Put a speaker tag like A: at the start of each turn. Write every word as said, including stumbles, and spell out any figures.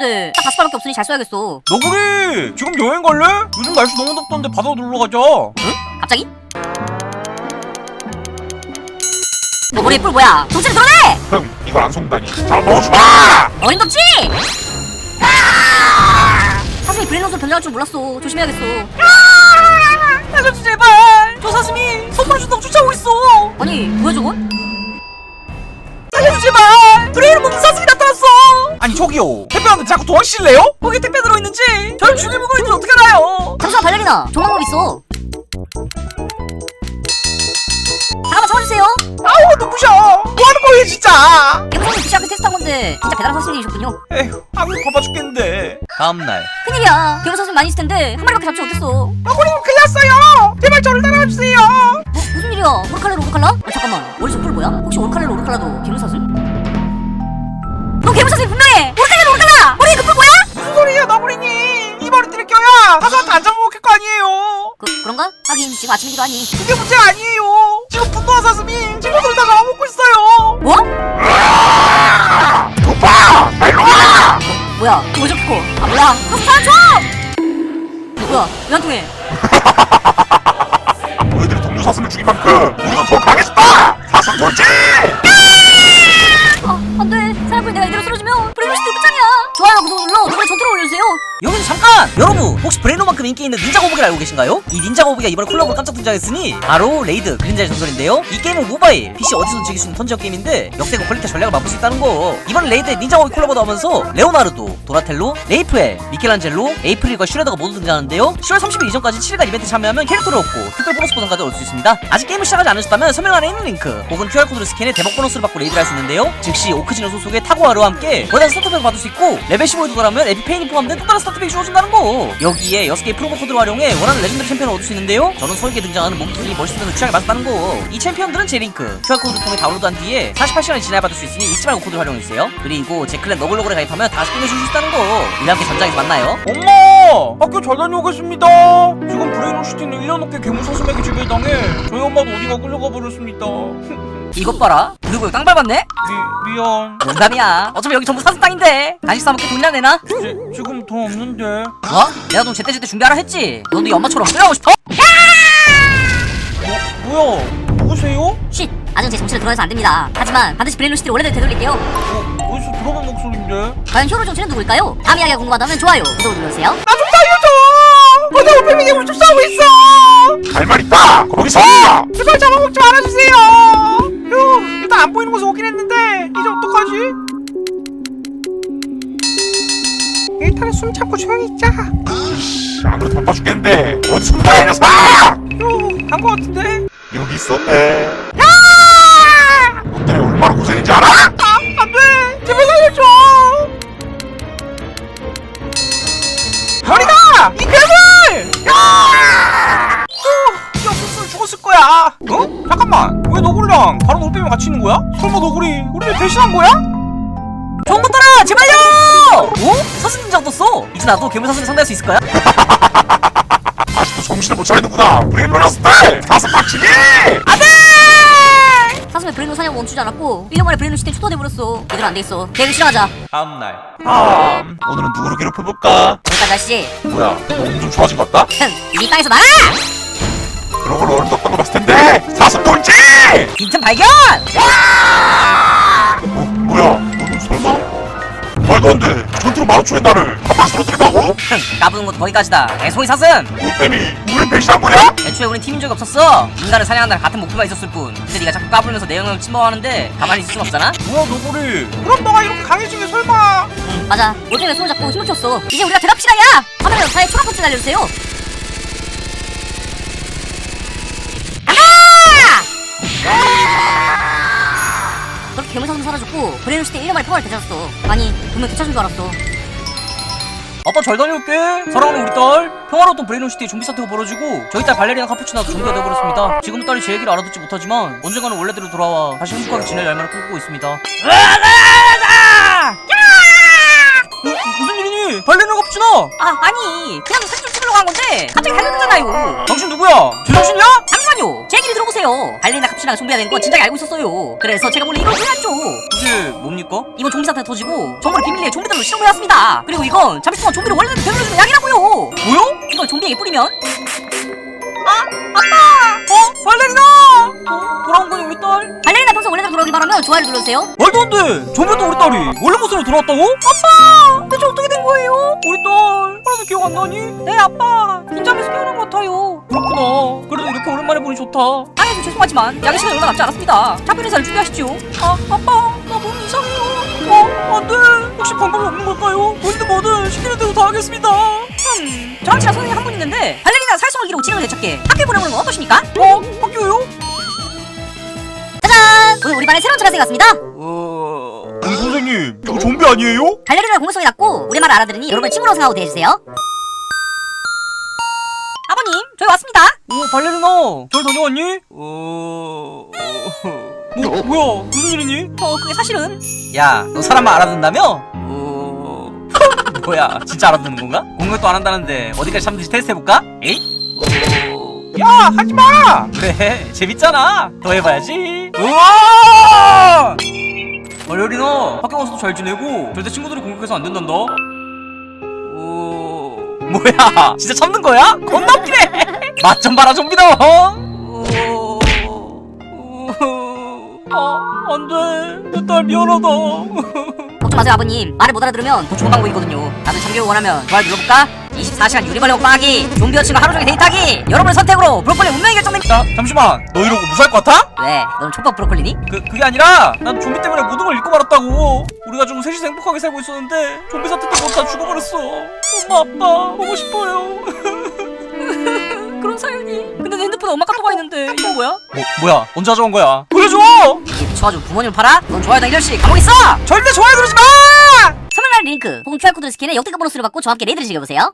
A: 근데 딱 다섯 발밖에 없으니 잘 써야겠어.
B: 너구리 지금 여행 갈래? 요즘 날씨 너무 덥던데 바다 놀러 가자.
A: 응? 갑자기? 너구리 뿔 뭐야? 정체를 드러내!
C: 흥, 이걸 안 속다니. 자, 넣어주마!
A: 어린 덥지? 사슴이 브레인롯으로 변장할 줄 몰랐어. 조심해야겠어.
B: 살려줘 제발. 저 사슴이 선물 준다고 쫓아오고 있어.
A: 아니 뭐야 저건?
B: 살려줘 제발. 브레인 먹는 사슴이 나타났어. 아니 저기요, 택배하는데 자꾸 도와주실래요? 거기 택배 들어있는지 저를 죽일 물건인지 어떻게 알아요?
A: 잠시만 발레리나, 좋은 방법 있어. 잠깐만 참아주세요.
B: 아우 눈부셔. 뭐하는 거예요 진짜.
A: 개무성님 피씨 앞에 테스트한 건데 진짜 배달한 사슴이셨군요.
B: 에휴, 아무 바빠 죽겠는데. 다음날
A: 큰일이야. 개무 사슴 많이 있을 텐데 한 마리밖에 잡지 못했어.
B: 너구리 큰일 났어요. 제발 저를 따라와주세요.
A: 뭐, 무슨 일이야? 오르칼레로 오르칼라? 어, 잠깐만 머리속 뿔 뭐야? 혹시 오르칼레로 오르칼라도 개무 사슴? 너 개무 사슴이 분명해! 오르칼레로 오르칼라! 머리에 그 뿔 뭐야?
B: 무슨 소리예요 너구리님. 이 머리띠를 껴야 사슴한테 안 잡아먹힐 거 아니에요.
A: 그, 그런가? 하긴 지금 아침이기도 하니.
B: 그게 문제가 아니에요. 지금 분노한 사슴이 친구들을 다 잡아먹고 있어요.
A: 뭐?
C: 오빠! 빨리 와!
A: 뭐야? 이거 저렇게 커. 아 몰라. 사슴 사줘! 뭐야? 왜 안 통해?
C: 너희들이 동료 사슴을 죽인 만큼 우리가 더 강해졌다! 사슴 돌지!
A: 아 안돼. 사람들 내가 이대로 쓰러지면 브레이브시티 끝장이야. 좋아요 구독 눌러 노래 전투로 올려주세요.
D: 여기서 잠깐! 여러분 혹시 브레인로만큼 인기 있는 닌자 거북이를 알고 계신가요? 이 닌자 거북이가 이번에 콜라보로 깜짝 등장했으니 바로 레이드 그림자의 전설인데요. 이 게임은 모바일, 피씨 어디서든 즐길 수 있는 턴제어 게임인데 역대급 퀄리티 전략을 맛볼 수 있다는 거. 이번 레이드에 닌자 거북이 콜라보 나오면서 레오나르도, 도라텔로, 레이프엘, 미켈란젤로, 에이프릴과 슈레더가 모두 등장하는데요. 시월 삼십일 이전까지 칠 일간 이벤트 참여하면 캐릭터를 얻고 특별 보너스 보상까지 얻을 수 있습니다. 아직 게임을 시작하지 않으셨다면 설명란에 있는 링크 혹은 큐알코드를 스캔해 대박 보너스를 받고 레이드를 할 수 있는데요. 즉시 오크지노 소속의 타고아르와 함께 거대한 스타트팩을 받을 수 있고 레벨 십오에 도달하면 에피페인이 포함된 또 다른 스타트팩이 주어진다는 거. 여기에 여섯 개의 프로모 코드를 활용해 원하는 레전드리 챔피언을 얻을 수 있는데요. 저는 설계에 등장하는 몸통이 멋있으면서 취향에 맞다는 거. 이 챔피언들은 제 링크 큐알코드를 통해 다운로드한 뒤에 사십팔 시간이 지나야 받을 수 있으니 잊지 말고 코드를 활용해주세요. 그리고 제 클랜 너글너글에 가입하면 다시 끝내줄 수 있다는 거. 우리 함께 전장에서 만나요.
B: 엄마! 학교 잘 다녀오겠습니다. 지금 브레인로시티는 일 년 넘게 괴물사슴에게 지배당해 저희 엄마도 어디가 끌려가 버렸습니다.
D: 이것 봐라. 누구 땅 밟았네?
B: 미, 미안.
D: 농담이야. 어차피 여기 전부 사슴 땅인데 간식 사먹게 돈이나 내나?
B: 지, 지금 돈 없는데.
D: 뭐? 내가 돈 제때제때 준비하라 했지. 너도 이 엄마처럼 끌어가고 싶어?
B: 뭐야? 누구세요?
A: 쉿! 아직 제 정체를 드러내서 안 됩니다. 하지만 반드시 브레인로시티를 원래대로 되돌릴게요.
B: 어, 어디서 들어본 목소리인데?
A: 과연 히어로 정체는 누굴까요? 다음 이야기가 궁금하다면 좋아요 구독 눌러주세요.
B: 나 좀 살려줘! 거대 오페미 괴물 좀 싸우고 있어!
C: 할 말 있다! 거기서!
B: 제발 잡아먹지 말아주세요! 휴, 일단 안 보이는 곳에 오긴 했는데 이제 어떡하지? 일단은 숨 참고 조용히 있자.
C: 씨, 안 그래도 바빠 죽겠는데 어디 숨다 이 녀석!
B: 휴, 간 거 같은데?
C: 여기 있었네.
B: 야!
C: 너 때문에 얼마나 고생인지 알아?
B: 아, 안 돼! 제발 살려줘! 머리다! 이 괴물! 야! 어, 이 없었으면 죽었을 거야. 어? 잠깐만. 왜 너구리랑 다른 올빼미 같이 있는 거야? 설마 너구리 우리를 배신한 거야?
D: 좋은 것들아 제발요! 어? 사슴 등장 떴어. 이제 나도 괴물 사슴을 상대할 수 있을까요?
C: 아직도 정신을 못 차리는구나. 브레인로스 때 사슴 박치기!
A: 사슴의 브레인로 사냥 멈추지 않았고 일 년 만에 브레인로시티에 초토돼버렸어. 이대로 안 되겠어. 계획을 실행하자.
B: 다음날. 아,
C: 오늘은 누구를 괴롭혀볼까?
A: 여기까지 하시지.
C: 뭐야, 너 엄청 좋아진 것 같다?
A: 흥! 이 땅에서 나가!
C: 그런 걸 어림없다고 봤을 텐데 사슴 돌지!
D: 빈틈 발견!
C: 어, 뭐야, 너는 설마? 말도 안 돼. 전투로 마루초의 나를 한방 쓰러뜨린다고?
D: 흥, 까부는 것도 거기까지다. 애송이 사슴!
C: 올빼미, 우린 배신한 거야?
D: 애초에 우린 팀인 적이 없었어. 인간을 사냥한다는 같은 목표가 있었을 뿐. 근데 네가 자꾸 까불면서 내 영역을 침범하는데 가만히 있을 순 없잖아?
B: 뭐야 너구리? 그럼 너가 이렇게 강해진 게 설마?
A: 응 맞아. 올빼미가 손을 잡고 힘을 줬어. 이제 우리가 대답 시간이야! 화면에 역사에 초록 버튼 날려주세요. 그렇게 괴물사슴 사라졌고 브레인로시티 일 년 만에 평화를 되찾았어. 아니 분명 되찾은 줄 알았어.
D: 아빠 잘 다녀올게. 사랑하는 우리 딸. 평화로웠던 브레인로시티에 좀비 사태가 벌어지고 저희 딸 발레리나 카푸치나도 좀비가 되어버렸습니다. 지금은 딸이 제 얘기를 알아듣지 못하지만 언젠가는 원래대로 돌아와 다시 행복하게 지낼 날만을 꿈꾸고 있습니다. 어, 무슨 일이니? 발레리나 카푸치나!
A: 아 아니 그냥 사진 좀 찍으려고 한 건데 갑자기 달려들잖아요.
B: 당신 누구야? 제정신이야?
A: 잠시만요. 잠깐만요. 제 얘기를 들어보세요. 발레리나 카푸치나가 좀비가 된 건 진작에 알고 있었어요. 그래서 제가 몰래 이걸 해놨죠.
D: 그게 뭡니까?
A: 이번 좀비 사태가 터지고 정보를 비밀리에 좀비들로 실험해왔습니다. 그리고 이건 잠시 동안 좀비를 원래대로 되돌려주는 약이라고요.
D: 뭐요?
A: 이걸 좀비에게 뿌리면
D: 어? 발레리나! 어? 돌아온 거니 우리 딸?
A: 발레리나 평소 원래대로 돌아오길 바라면 좋아요를 눌러주세요.
D: 말도 안 돼! 전부터 우리 딸이 원래 모습으로 돌아왔다고? 아빠! 대체 어떻게 된 거예요? 우리 딸 하나도 기억 안 나니? 네 아빠 긴장해서 깨어난 것 같아요. 그렇구나. 그래도 이렇게 오랜만에 보니 좋다.
A: 아예 좀 죄송하지만 약의 시간이 얼마 남지 않았습니다. 작별 인사를 준비하시죠.
D: 아 아빠 나 몸이 이상해요. 어? 안 돼. 혹시 방법이 없는 걸까요? 뭐든 뭐든 시키는 대로 다 하겠습니다.
A: 음, 저랑 친한 선생님 한 분 있는데 발레리나 살성을 기르고 지능을 되찾게 학교에 보내보는 건 어떠십니까?
D: 어? 학교요?
A: 짜잔! 오늘 우리 반에 새로운 전학생이 왔습니다.
D: 어...
C: 어, 선생님 저 좀비 아니에요?
A: 발레리나 공격성이 낮고 우리 말을 알아들으니 여러분을 친구로 생각하고 대해주세요. 아버님, 저희 왔습니다.
D: 오 발레리나 잘 다녀왔니? 어... 뭐, 뭐야 무슨 일이니?
A: 어, 그게 사실은
D: 야 너 사람만 알아듣는다며? 어... 뭐야 진짜 알아듣는 건가? 공격도 안 한다는데 어디까지 참는지 테스트 해볼까? 에이? 어...
B: 야 하지마.
D: 그래 재밌잖아 더 해봐야지. 우와 발레리나 학교 가서도 잘 지내고 절대 친구들이 공격해서 안 된단다. 어... 뭐야 진짜 참는 거야? 겁나 웃기네. 맛 좀 봐라 좀비다. 어... 아 안돼 내 딸 미안하다.
A: 걱정 마세요 아버님. 말을 못 알아들으면 더 좋은 방법이 있거든요. 다들 참교육 원하면 좋아요 눌러볼까? 이십사 시간 유리벌레 먹방하기, 좀비 여친과 하루 종일 데이트하기. 여러분의 선택으로 브로콜리 운명이 결정됩니다.
D: 야 잠시만 너 이러고 무사할 것 같아?
A: 왜? 너는 촉밥 브로콜리니?
D: 그, 그게 아니라 난 좀비 때문에 모든 걸 잃고 말았다고. 우리 가족은 셋이서 행복하게 살고 있었는데 좀비 사태 때문에 다 죽어버렸어. 엄마 아빠 보고 싶어요.
A: 그런 사연이. 근데 내 핸드폰에 엄마 카톡가 있는데 이건 뭐야?
D: 뭐, 뭐야 언제 가져온 거야? 보여줘.
A: 이게 미쳐가지고 부모님을 팔아? 넌 좋아요당 일 년씩 감옥 있어!
D: 절대 좋아요 누르지 마.
A: 설명란 링크 혹은 큐알코드 스캔에 역대급 보너스를 받고 저와 함께 레이드를 즐겨보세요.